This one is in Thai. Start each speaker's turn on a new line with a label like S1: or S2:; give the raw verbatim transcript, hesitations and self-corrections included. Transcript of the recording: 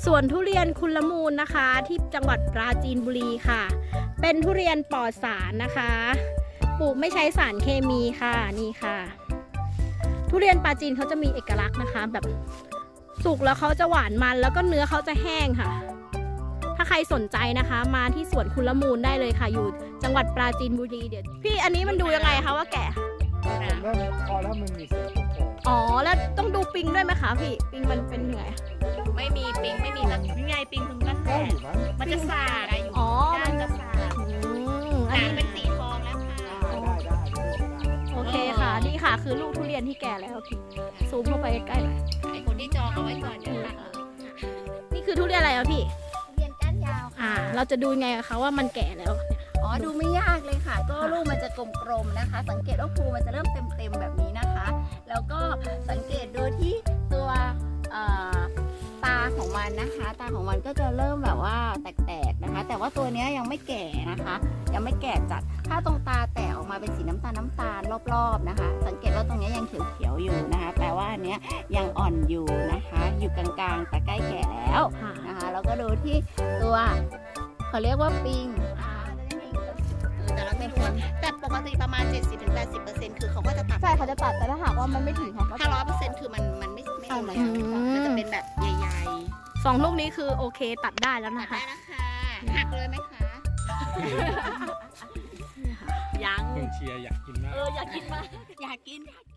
S1: สวนทุเรียนคุณละมูลนะคะที่จังหวัดปราจีนบุรีค่ะเป็นทุเรียนปลอดสารนะคะปลูกไม่ใช้สารเคมีค่ะนี่ค่ะทุเรียนปราจีนเขาจะมีเอกลักษณ์นะคะแบบสุกแล้วเขาจะหวานมันแล้วก็เนื้อเขาจะแห้งค่ะถ้าใครสนใจนะคะมาที่สวนคุณละมูลได้เลยค่ะอยู่จังหวัดปราจีนบุรีเดี๋ยวพี่อันนี้มันดูยังไงคะว่าแก่
S2: ผมเริ่มพอแล้วมันมีสีโป่ง
S1: อ๋อแล้วต้องดูปิงด้วยไหมคะพี่ปิงมันเป็นยังไง
S3: ไม่มีปิงไม่มีแล้วยังไงปิงถึงนั่นแห
S2: ได้
S3: ละ
S2: อยู่มั้ง
S3: มันจะสาดอะอยู่
S1: อ๋อ
S3: ด้านจะสาด
S1: อืม
S3: ห
S1: อัน
S3: นัง
S1: นี้
S3: เป็นสีทองแล้วค่ะ
S2: ได้ได้ได้
S1: โอเคค่ะนี่ค่ะคือลูกทุเรียนที่แก่แล้วพี่ซูมเข้าไปใกล้ๆหน่อย
S3: ไอคนที่จองเอาไว้ก่อนเดี๋ยวตัด
S1: นี่คือทุเรียนอะไรอะพี่
S4: เรียนก้านยาว
S1: อ่า
S4: ค่ะ
S1: เราจะดูยังไงคะว่ามันแก่แล้ว
S4: อ๋อ ดูไม่ยากเลยค่ะ ก็ลูกมันจะกลมๆนะคะ สังเกตว่าภูมันจะเริ่มเต็มๆแบบนี้นะคะ แล้วก็สังเกตดูที่ตัวเอ่อตาของมันนะคะ ตาของมันก็จะเริ่มแบบว่าแตกๆนะคะ แต่ว่าตัวเนี้ยยังไม่แก่นะคะ ยังไม่แก่จัด ถ้าตรงตาแตกออกมาเป็นสีน้ำตาลน้ำตาลรอบๆนะคะ สังเกตว่าตรงเนี้ยยังเขียวๆอยู่นะคะ แปลว่าอันเนี้ยยังอ่อนอยู่นะคะ อยู่กลางๆแต่ใกล้แก่แล้ว
S1: ค่ะ
S4: นะคะแล้วก็ดูที่ตัวเขาเรียกว่าปิงอ่าแต่เราไม่ควร
S3: แต่ปกติประมาณ เจ็ดสิบถึงแปดสิบเปอร์เซ็นต์ คือเขาก็จะตัด
S1: ใช่เขาจะตัดแต่ถ้าหากว่ามันไม่ถึงเขาก็
S3: ถ้าร้อยเปอร์เซ็นต์คือมันมันไม่ไม่เอาเลย
S1: อืม
S3: มันจะเป็นแบบใหญ่
S1: สองลูกนี้คือโอเคตัดได้แล้ว
S3: ๆตั
S1: นะ
S3: ด
S1: คะ
S3: ได้นะคะหักเลยไหมคะ ยัง
S2: เพื่อนเชียร์อยากกินมาก
S3: เอออยากกินมากอยากกินอยากกิน